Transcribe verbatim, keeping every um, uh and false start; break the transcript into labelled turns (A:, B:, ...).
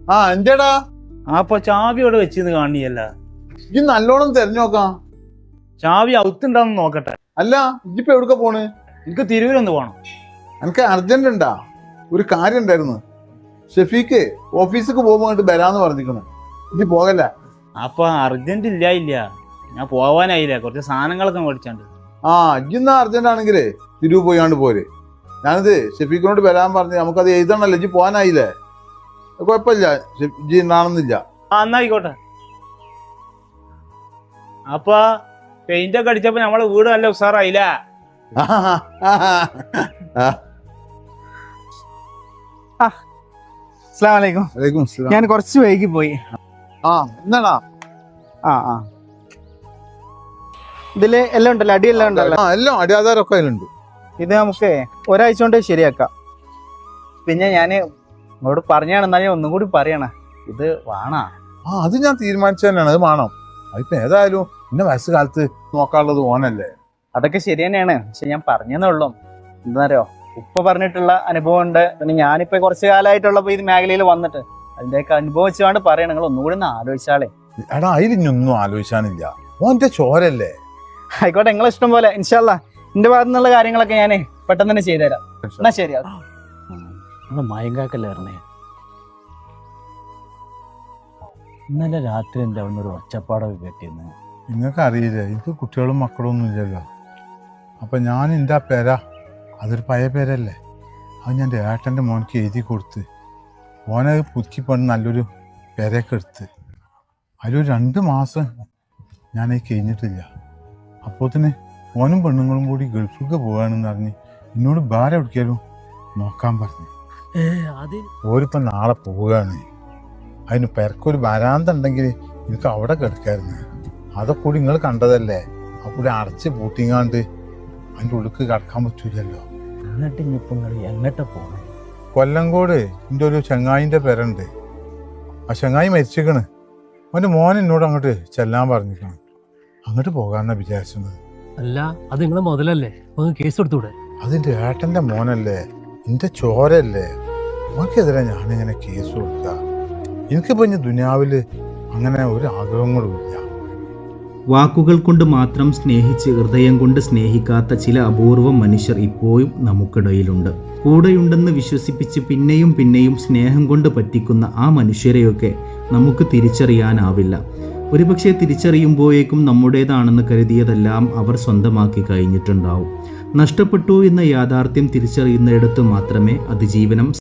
A: ആ എന്തേടാ?
B: ആ അപ്പൊ ചാവി അവിടെ വെച്ചിന്ന് കാണിയല്ല.
A: ഇജ്ജ് നല്ലോണം തെരഞ്ഞോക്കാം.
B: ചാവി ഔത്തുണ്ടാന്ന് നോക്കട്ടെ.
A: അല്ല ഇജ്ജിപ്പോ എവിടുക്ക പോണ്?
B: എനിക്ക് തിരൂരൊന്ന് പോണം.
A: എനിക്ക് അർജന്റ് ഉണ്ടാ, ഒരു കാര്യം ഉണ്ടായിരുന്നു. ഷെഫീക്ക് ഓഫീസിക്ക് പോകുമ്പോ വരാന്ന് പറഞ്ഞിരിക്കുന്നു. ഇജ്ജ് പോകല്ല?
B: അപ്പൊ അർജന്റ് ഇല്ല ഇല്ല, ഞാൻ പോവാനായില്ല, കുറച്ച് സാധനങ്ങളൊക്കെ മേടിച്ചാണ്ട്. ആ
A: ഇജ്ജിന്നാ അർജന്റ് ആണെങ്കിലേ തിരുവ് പോയാണ്ട് പോര്. ഞാനിത് ഷെഫീഖിനോട് വരാൻ പറഞ്ഞു, നമുക്കത് എഴുതണല്ലോ. ഇജ്ജ് പോകാനായില്ലേ? കുഴപ്പമില്ല, ഇജ്ജ് ഉണ്ടാണെന്നില്ല.
B: ആ എന്നായിക്കോട്ടെ. അപ്പൊ പെയിന്റ് ഒക്കെ അടിച്ചപ്പോ നമ്മളെ വീട് നല്ല ഉഷാറായില്ല.
C: ഞാൻ കുറച്ച് വൈകി പോയി.
A: ആ എന്നാടാ?
C: ആ ആ ഇതില് എല്ലാം ഉണ്ടല്ലോ, അടിയെല്ലാം ഉണ്ടല്ലോ.
A: എല്ലാം അടിയാധാരമൊക്കെ അതിലുണ്ട്.
C: ഇത് നമുക്ക് ഒരാഴ്ച കൊണ്ട് ശരിയാക്കാം. പിന്നെ ഞാന് നിങ്ങളോട് പറഞ്ഞാണെന്നാ ഞാൻ ഒന്നും കൂടി പറയണ, ഇത് വേണ.
A: ആ അത് ഞാൻ തീരുമാനിച്ചു തന്നെയാണ്, അത് വേണം. അതിപ്പോ ഏതായാലും ഇന്ന വയസ്സ് കാലത്ത് നോക്കാനുള്ളത് ഓനല്ലേ.
C: അതൊക്കെ ശരി തന്നെയാണ്, പക്ഷെ ഞാൻ പറഞ്ഞതേ ഉള്ളൂ. എന്താറിയോ, ഉപ്പ പറഞ്ഞിട്ടുള്ള അനുഭവം ഉണ്ട്. പിന്നെ ഞാനിപ്പോ കുറച്ച് കാലമായിട്ടുള്ളപ്പോ ഈ മേഖലയിൽ വന്നിട്ട് അതിന്റെയൊക്കെ അനുഭവം വെച്ചുകൊണ്ട് പറയണം. നിങ്ങൾ ഒന്നുകൂടി ഒന്ന് ആലോചിച്ചാളേ.
A: എടാ അതിലിഞ്ഞൊന്നും ആലോചിച്ചാനില്ല, ഓന്റെ ചോരല്ലേ.
C: ആയിക്കോട്ടെ, നിങ്ങളെ ഇഷ്ടം പോലെ. ഇൻഷാ അല്ലാ എന്റെ ഭാഗത്തു നിന്നുള്ള കാര്യങ്ങളൊക്കെ ഞാൻ പെട്ടെന്ന് തന്നെ ചെയ്തുതരാം. എന്നാ ശരി.
B: മയങ്കാക്കല്ലായിരുന്നേ, ഇന്നലെ രാത്രി എൻ്റെ അവിടെ ഒരു ഒച്ചപ്പാടൊക്കെ കേട്ടിരുന്നു.
A: നിങ്ങൾക്ക് അറിയില്ലേ, എനിക്ക് കുട്ടികളും മക്കളും ഒന്നും ഇല്ലല്ലോ. അപ്പം ഞാൻ എൻ്റെ ആ പേര, അതൊരു പഴയ പേരല്ലേ, അത് ഞാൻ എൻ്റെ ഏട്ടൻ്റെ മോനക്ക് എഴുതി കൊടുത്ത് ഓനത് പുതുക്കി പണിത് നല്ലൊരു പേരയൊക്കെ എടുത്ത് അതിലൊരു രണ്ട് മാസം ഞാനത് കഴിഞ്ഞിട്ടില്ല. അപ്പോൾ തന്നെ ഓനും പെണ്ണുങ്ങളും കൂടി ഗൾഫിലേക്ക് പോകാണെന്ന് പറഞ്ഞ് എന്നോട് ഭാരം എവിടേക്കാലും നോക്കാൻ പറഞ്ഞു. ഓരിപ്പം നാളെ പോവുകയാണ്. അതിന് പെരക്കൊരു വരാന്ത ഉണ്ടെങ്കിൽ എനിക്ക് അവിടെ കിടക്കായിരുന്നു. അതൊക്കെ കൂടി നിങ്ങൾ കണ്ടതല്ലേ. അപ്പോൾ അടച്ച് പൂട്ടിങ്ങാണ്ട് അതിൻ്റെ ഉള്ളിക്ക് കിടക്കാൻ പറ്റൂലല്ലോ.
B: എന്നിട്ട് ഇനിയിപ്പോൾ നിങ്ങൾ എങ്ങോട്ടാ പോകണം?
A: കൊല്ലങ്കോട് എൻ്റെ ഒരു ചങ്ങായിൻ്റെ പേരുണ്ട്. ആ ചങ്ങായി മരിച്ചിരിക്കണ്. അവൻ്റെ മോൻ എന്നോട് അങ്ങോട്ട് ചെല്ലാൻ പറഞ്ഞിരിക്കണം. അങ്ങോട്ട് പോകാമെന്നാണ് വിചാരിച്ചത്.
D: അല്ല അത് നിങ്ങളെ മുതലല്ലേ, കേസ് കൊടുത്തൂടെ?
A: അതിൻ്റെ ഏട്ടൻ്റെ മോനല്ലേ, എൻ്റെ ചോരല്ലേ, അവനക്കെതിരെ ഞാനിങ്ങനെ കേസ് കൊടുക്കുക. എനിക്കിപ്പോൾ ഇനി ദുനിയാവിൽ അങ്ങനെ ഒരു ആഗ്രഹങ്ങളും ഇല്ല.
E: വാക്കുകൾ കൊണ്ട് മാത്രം സ്നേഹിച്ച് ഹൃദയം കൊണ്ട് സ്നേഹിക്കാത്ത ചില അപൂർവം മനുഷ്യർ ഇപ്പോഴും നമുക്കിടയിലുണ്ട്. കൂടെയുണ്ടെന്ന് വിശ്വസിപ്പിച്ച് പിന്നെയും പിന്നെയും സ്നേഹം കൊണ്ട് പറ്റിക്കുന്ന ആ മനുഷ്യരെയൊക്കെ നമുക്ക് തിരിച്ചറിയാനാവില്ല. ഒരുപക്ഷെ തിരിച്ചറിയുമ്പോഴേക്കും നമ്മുടേതാണെന്ന് കരുതിയതെല്ലാം അവർ സ്വന്തമാക്കി കഴിഞ്ഞിട്ടുണ്ടാവും. നഷ്ടപ്പെട്ടു എന്ന യാഥാർത്ഥ്യം തിരിച്ചറിയുന്നിടത്ത് മാത്രമേ അതിജീവനം